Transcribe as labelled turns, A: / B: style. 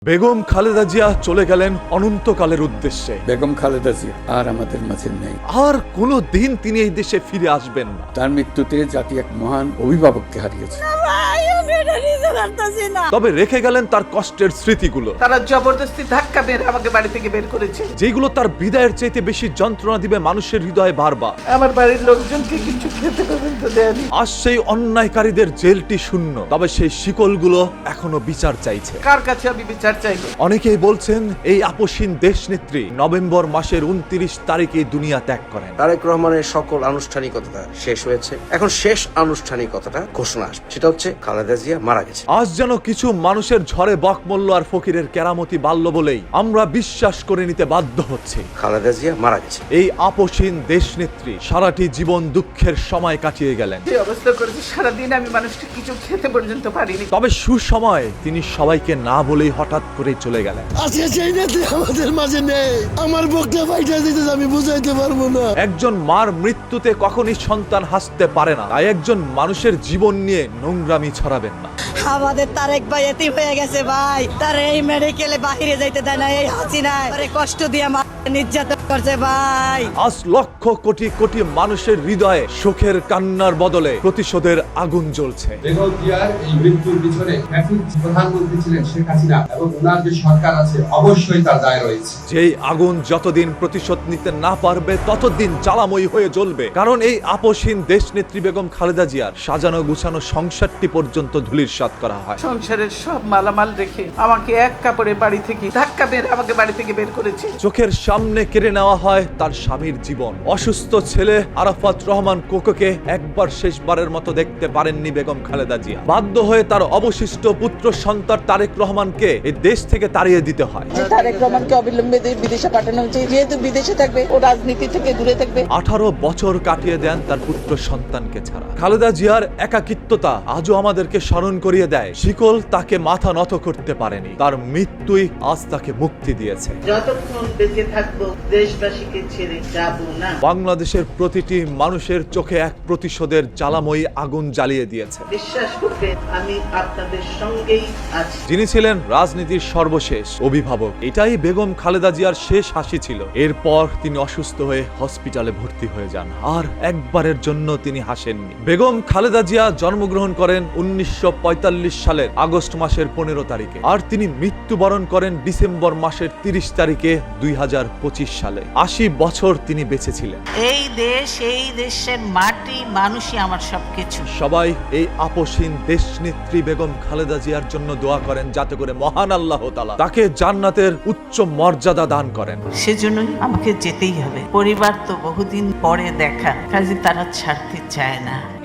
A: বেগম খালেদা জিয়া চলে গেলেন অনন্তকালের উদ্দেশ্যে।
B: বেগম খালেদা জিয়া আর আমাদের মাঝে নেই।
A: আর কোনো দিন তিনি এই দেশে ফিরে আসবেন না।
B: তার মৃত্যুতে জাতি এক মহান অভিভাবককে হারিয়েছে।
A: তবে রেখে গেলেন তার কষ্টের স্মৃতিগুলো,
C: তারা জবরদস্তি ধাক্কা মেরে আমাকে বাড়ি থেকে বের করেছে,
A: যেগুলো তার বিদায়ের চাইতে বেশি যন্ত্রণা দিবে মানুষের হৃদয়ে বারবার।
C: আমার বাড়ির লোকজনকে কিছু খেতে পর্যন্ত দেয়নি।
A: আজ সেই অন্যায়কারীদের জেলটি শূন্য, তবে সেই শিকলগুলো এখনো বিচার চাইছে।
C: কার কাছে আমি বিচার চাইবো?
A: অনেকেই বলছেন এই আপসহীন দেশনেত্রী নভেম্বর মাসের 29 তারিখে দুনিয়া ত্যাগ করেন।
D: তারেক রহমানের সকল আনুষ্ঠানিকতা শেষ হয়েছে, এখন শেষ আনুষ্ঠানিকতাটা ঘোষণা আসবে, সেটা হচ্ছে খালেদা জিয়া মারা গেছে।
A: আজ যেন কিছু মানুষের ঝড়ে বকমল্ল আর ফকিরের কেরামতি বাল্য বলেই আমরা বিশ্বাস করে নিতে বাধ্য হচ্ছি
D: খালেদা জিয়া মারা গেছে।
A: এই আপসহীন দেশনেত্রী সারাটি জীবন দুঃখের সময় কাটিয়ে গেলেন।
C: যে অবস্থা করেছে, সারাদিন আমি মানুষকে কিছু খেতে পর্যন্ত পারিনি।
A: তবে সুসময় তিনি সবাইকে না বলেই হঠাৎ করে চলে গেলেন।
E: আজকে সেই নেত্রী আমাদের মাঝে নেই। আমার বুকটা ফাইটা দিতে আমি বুঝাইতে পারবো না।
A: একজন মার মৃত্যুতে কখনই সন্তান হাসতে পারে না, তাই একজন মানুষের জীবন নিয়ে নোংরামি ছড়াবেন না।
F: আমাদের তারেক ভাই এতিম হয়ে গেছে ভাই, তার এই মেডিকেলে বাহিরে যাইতে দেয় না, এই হাসিনায় তারে কষ্ট দিয়ে নির্যাতন করছে ভাই।
A: আজ লক্ষ কোটি কোটি মানুষের হৃদয়ে সুখের কান্নার বদলে প্রতিশোধের আগুন জ্বলছে।
G: বেগম জিয়ার এই মৃত্যুর পিছনে প্রধানমন্ত্রী ছিলেন শেখ হাসিনা এবং ওনার যে সরকার আছে অবশ্যই তার দায় রয়েছে।
A: যেই আগুন যতদিন প্রতিশোধ নিতে না পারবে ততদিন জ্বালাময়ী হয়ে জ্বলবে, কারণ এই আপসহীন দেশনেত্রী বেগম খালেদা জিয়ার সাজানো গুছানো সংসারটি পর্যন্ত ধূলিসাৎ করা হয়।
C: সংসারের সব মালামাল রেখে আমাকে এক কাপড়ে বাড়ি থেকে ধাক্কা মেরে আমাকে বাড়ি থেকে বের করেছে।
A: চোখের সামনে কেড়ে নেওয়া হয় তার স্বামীর জীবন। অসুস্থ ছেলে আরাফাত রহমান কোকোকে একবার শেষবারের মতো দেখতে পারেননি বেগম খালেদা জিয়া। বাধ্য হয়ে তার অবশিষ্ট পুত্র সন্তান তারেক রহমানকে এই দেশ থেকে তাড়িয়ে দিতে হয়।
C: তারেক রহমানকে অবিলম্বে বিদেশে পাঠানো হয়েছে, যেহেতু বিদেশে থাকবে ও রাজনীতি থেকে দূরে থাকবে।
A: 18 বছর কাটিয়ে দেন তার পুত্র সন্তানকে ছাড়া। খালেদা জিয়ার একাকিত্বতা আজও আমাদেরকে স্মরণ করিয়ে দেয় শিকল তাকে মাথা নত করতে পারেনি, তার মৃত্যুই আজ তাকে মুক্তি দিয়েছে।
C: যতক্ষণ বেঁচে থাকবো দেশবাসীকে ছেড়ে যাব না।
A: বাংলাদেশের প্রতিটি মানুষের চোখে এক প্রতিশোধের জ্বালাময়ী আগুন জ্বালিয়ে দিয়েছে।
C: বিশ্বাস করবেন আমি আপনাদের সঙ্গেই আছি।
A: যিনি ছিলেন রাজনীতির সর্বশেষ অভিভাবক, এটাই বেগম খালেদা জিয়ার শেষ হাসি ছিল। এরপর তিনি অসুস্থ হয়ে হসপিটালে ভর্তি হয়ে যান, আর একবারের জন্য তিনি হাসেননি। বেগম খালেদা জিয়া জন্মগ্রহণ করেন 1945 সালের আগস্ট মাসের 15 তারিখে, আর তিনি মৃত্যুবরণ করেন ডিসেম্বর মাসের 30 তারিখে 2025 সালে। 80 বছর তিনি বেঁচে ছিলেন।
H: এই দেশ, এই দেশের মাটি, মানুষই আমার সবকিছু।
A: সবাই এই আপসহীন দেশনেত্রী বেগম খালেদা জিয়ার জন্য দোয়া করেন, যাতে করে মহান আল্লাহ তাআলা তাকে জান্নাতের উচ্চ মর্যাদা দান করেন।
H: সেজন্যই আমাকে যেতেই হবে। পরিবার তো বহুদিন পরে দেখা, কাজে তারা ছাড়তে চায় না।